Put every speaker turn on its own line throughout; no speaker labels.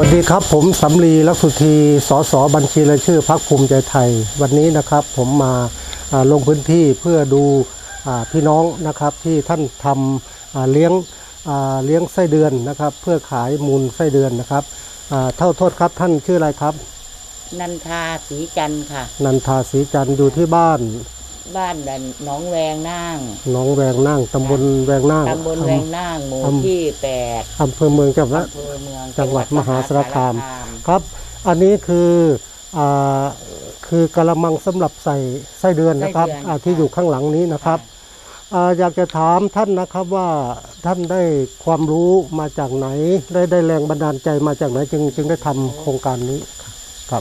วัสดีครับผมสำลีลักษุธีสสบัญชีรายชื่อพรรคภูมิใจไทยวันนี้นะครับผมมาลงพื้นที่เพื่อดูพี่น้องนะครับที่ท่านทำเลี้ยงไส้เดือนนะครับเพื่อขายมูลไส้เดือนนะครับโทษครับท่านชื่ออะไรครับ
นันทาศรีจันทร์ค่ะ
นันทาศรีจันทร์อยู่ที่บ้าน
หนองแวงนั่ง
หนองแวงนั่งตำบลแวงนั่ง
หมู่ที่8
อำเภอเมืองจังหวัดมหาสารคามครับอันนี้คือกระมังสำหรับใส่ไส้เดือนนะครับที่อยู่ข้างหลังนี้นะครับอยากจะถามท่านนะครับว่าท่านได้ความรู้มาจากไหนได้แรงบันดาลใจมาจากไหนจึงได้ทำโครงการนี้ครับ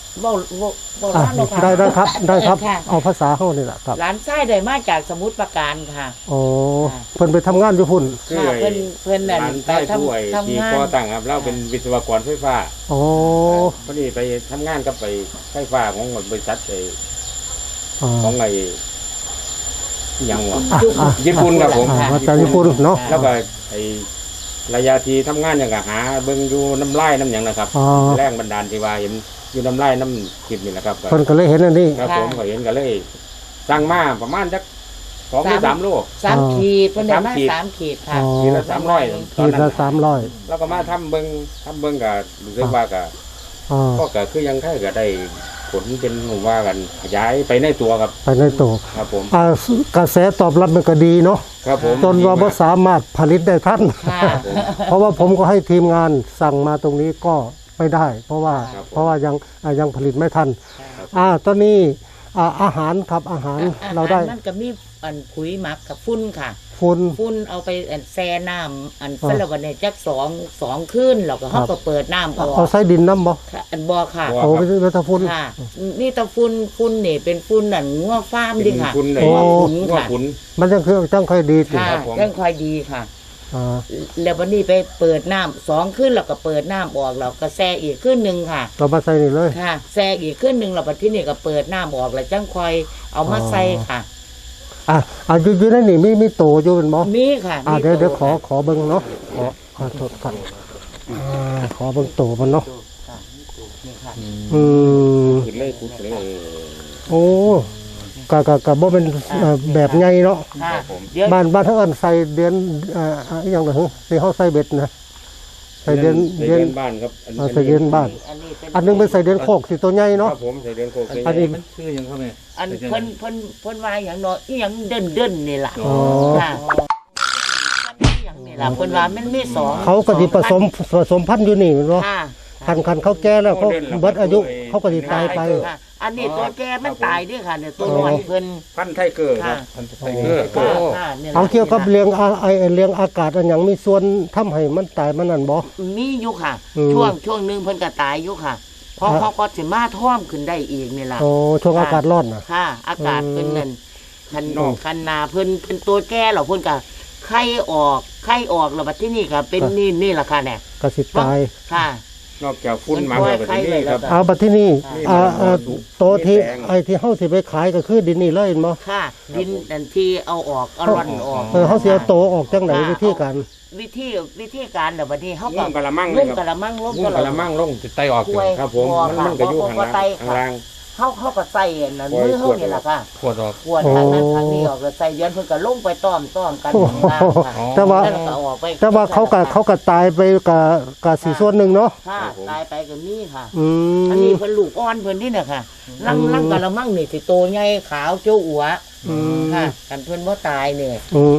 ได้ครับเอาภาษาเขานี่แหละครับ
ร้านไส้ได้มาจากสมุทรปราการค่ะ
อ๋อเพิ่นไปทำงานอยู่พุ่น
ค่ะเพิ่นนั่น
ไปทำงานก่อตั้งครับเราเป็นวิศวกรไฟฟ้า
อ๋อ
พอดีไปทำงานกับไปไฟฟ้าของบริษัทของไอ้ยังวะญี่ปุ่นครับผม
จากญี่ปุ่นเนาะ
แล้วก็ไอ้ระยะที่ทำงานอย่างกับหาเบิ่งอยู่น้ำลายน้ำอย่างนะครับแรงบันดาลที่ว่าเห็นอยู่น้ำลายน้ำขีดนี่นะครับ
คนก็เลยเห็นอันนี้
ครับผมก็เห็นก็เลยสั่งมาประมาณสัก2 หรือ 3 โล
3 ขีดเพิ่นได้มา3 ขีดค่ะ
ขีดละ300
ขีดละ300
แล้วก็มาทำเบิ่งก็รู้สึกว่าก็คือยังแค่ก็ได้ผลเป็นว่ากันขยายไปในตัวครับ
ไปในตัว
ครับผม
กระแสตอบรับมันก็ดีเนาะ
ครับผม
จนว่าบ่สามารถผลิตได้ทันเพราะว่าผมก็ให้ทีมงานสั่งมาตรงนี้ก็ไม่ได้เพราะว่ายังผลิตไม่ทันตอนนี้อาหารครับอาหารเราได้
มันก็มีปุ๋ยหมักกับฟุ้นค่ะ
ฟุ้น
เอาไปแช่น้ำเสร็จแล้วก็เนี่ยจักสองคืนแล้วก็เขาก็เปิดน้ำ
เอาใส่ดินน้ำบ่
บ่ค่ะ
โอ้ไม่ใช่ตะฟุ้น
ค่ะนี่ตะฟุ้นนี่เป็นฟุ้นนั่นงัวฟาร์มดิค่ะ
งัวขุน
มันจังค่อยดี
ค่ะจังค่อยดีค่ะแล้ววันนี้ไปเปิดน้ำ2 คืนแล้วก็เปิดน้ำออกแล้วก็แช่อีกคืนนึงค่ะ
เรามาใส่นี่เลย
ค่ะแช่อีกคืนนึงแล้วที่นี่ก็เปิดน้ำออกแล้วจังค่อยเอามาใส่ค่ะ
อยู่ในนี่มีโตอยู่เป็นบ่
มีค่ะ
เดี๋ยวขอเบิ่งเนาะขอโทษครับขอเบิ่งโตมันเนาะโอ้กะบ่เป็นแบบใหญ่เนาะบ้านทั้งอันใส่เดือนอย่างไรที่เขาใส่เบ็ดนะใส่เดือน
บ้านครับ
ใส่เดือนบ้านอันนึงเป็นใส่เดือนโคกสิตัวใหญ่เนาะ
ครับผมใส่เดือนโคก
อันนี้
ชื่อยังเขาไหม
เพิ่นว่าอย่างน้อยอย่างเดินนี่ล่ะค่ะอย่างนี่ล่ะเพิ่นว่ามันมี2
เขาก็สิผสมพันธุ์อยู่นี่เนาะคันเขาแก่แล้วเขาเบิดอายุเขาก็สิตายไป
อันนี้ตัวแก่มันตายด้วยค่ะเนี่ยตัวน้อยเพิ่น
พันไทเกอร์ครับพันไทเกอร์
เอาเกี่ยวกับเลี้ยงอากาศอันอย่างมีส่วนทำให้มันตายมันนั่นบ่
มีอยู่ค่ะช่วงนึงเพิ่นก็ตายอยู่ค่ะเพราะเขาก็สิมาท่วมขึ้นได้อีกนี่ล่ะ
ช่วงอากาศร้อนน่ะ
ค่ะอากาศเป็นนั่นคันนาเพิ่นเป็นตัวแก่แล้วเพิ่นก็ไข่ออกแล้วบัดที่นี่ค่ะเป็นนี่ล่ะค่ะเนี่ย
ก็สิตาย
ค่ะ
นอกจากฟุ้นมาแบบนี้ครับ
บัดที่นี่โตที่ที่เฮาสิไปขายก็คือดินนี่เลยมั้ง
ค่ะดินอันที่เอาออกเอาร่อนออก
เฮาสิเอาโตออกจังไหนวิธีการ
แบบบัดนี้เฮาก็
กะละมัง
ลง
สิไตออกครับผมมันก็อยู่ข้างล่าง
เขาก็ใส่นั่นมือเขานี่แหละค่ะขวดทางนั้นทางนี้ออกแล้วใส่ย้อนเพิ่นก็ลงไปต้อมกัน
แต่ว่าเขาก็ตายไปกับสีส่วนหนึ่งเนาะ
ตายไปกับนี่ค่ะอันนี้เพิ่นลูกอ่อนเพิ่นนี่เนี่ยค่ะลังกะละมังนี่สิโตใหญ่ขาวเจ้าอัวค่ะกันเพิ่นบ่ตายเนี่ย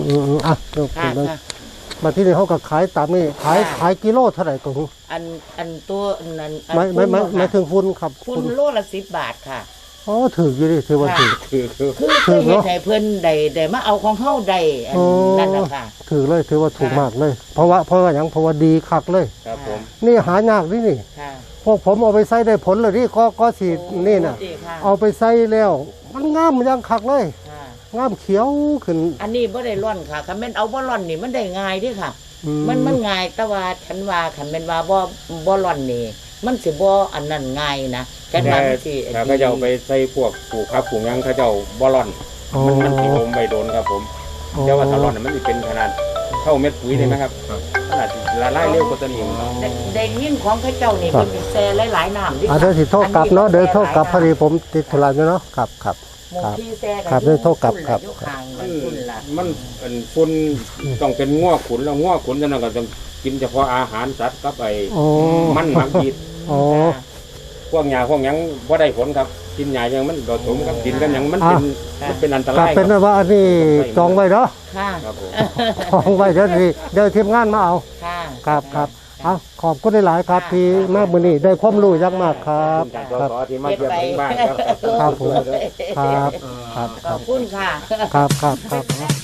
มาที่นี่เขาก็ขายตามนี่ขายกิโลเท่าไหร่ก็
อันตัวนั้น
ไม่ถึงฟุ้นครับ
ฟุ้นโลละ10 บาทค่ะ
ถืออยู่ดิถือว่าถือ
เฮ็ดให้เพิ่นได้มาเอาของเฮาได้นั่นน่ะค่ะ
ถือเลยถือว่าถูกมากเลยเพราะว่าอย่างเพราะว่าดีคักเลย
ครับผม
นี่หายากนี่พวกผมเอาไปใส่ได้ผลเลยนี่ก็สินี่น่ะเอาไปใส่แล้วมันงามยังคักเลยงามเขียวขึ้น
อันนี้บ่ได้ร่อนค่ะคันแม่นเอาบ่ร่อนนี่มันได้ง่ายเด้ค่ะมันง่ายแต่ว่าฉันว่าคันแม่นว่าบ่ร่อนนี่มันสิบ่อันนั้นง่ายนะ
ฉันว่าสิเขาจะเอาไปใส่พวกปลูกครับปลูกหยังเขาจะเอาบ่ร่อนมันสิลมไปโดนครับผมแต่ว่าถ้าร่อนมันสิเป็นขนาดเข้าเม็ดปุ๋ยได้ไหมครับขนาดละลายเร็วกว่าตัวนี้เนาะ
ได้ยินของเขาเจ้านี่เพิ่นสิแซ่หลายๆน้ำดิ
เดี๋ยวสิโทษกลับเนาะเดี๋ยวโทษกลับพอดีผมติดธุระอยู่เนาะครับครับ
หมู่ที่แซ่กัน
ครับเดี๋ยวโทษกลับครับ
อยู่ข้างมันพุ่นล่ะ
มันฝุ่นต้องเป็นง้อขุนแล้วง้อขุนจะนั่นก็ต้องกินเฉพาะอาหารสัตว์กับไอ้
โอ้
มันหมักยีด
โอ้
พวกหญ้าพวกหยังบ่ได้ผลครับกินหญ้ายังมันผสมกับกินกันหยังมันเป็นอันต
กลั
รา
บ
ย
เป็นว่าอันนี้จองไว้เนาะ
ค่ะ
ครับผม
จองไว้เดี๋ยวทีมงานมาเอา
ค่ะ
ครับเอาขอบคุณหลายๆครับที่มากมื้อนี้ได้ความรู้อยังมากครับ
การ
ครับ
สอที่มาเยี่ยมถึงบ้านครับ
ครับผมครับครับ
ขอบคุณค่ะ
ครับ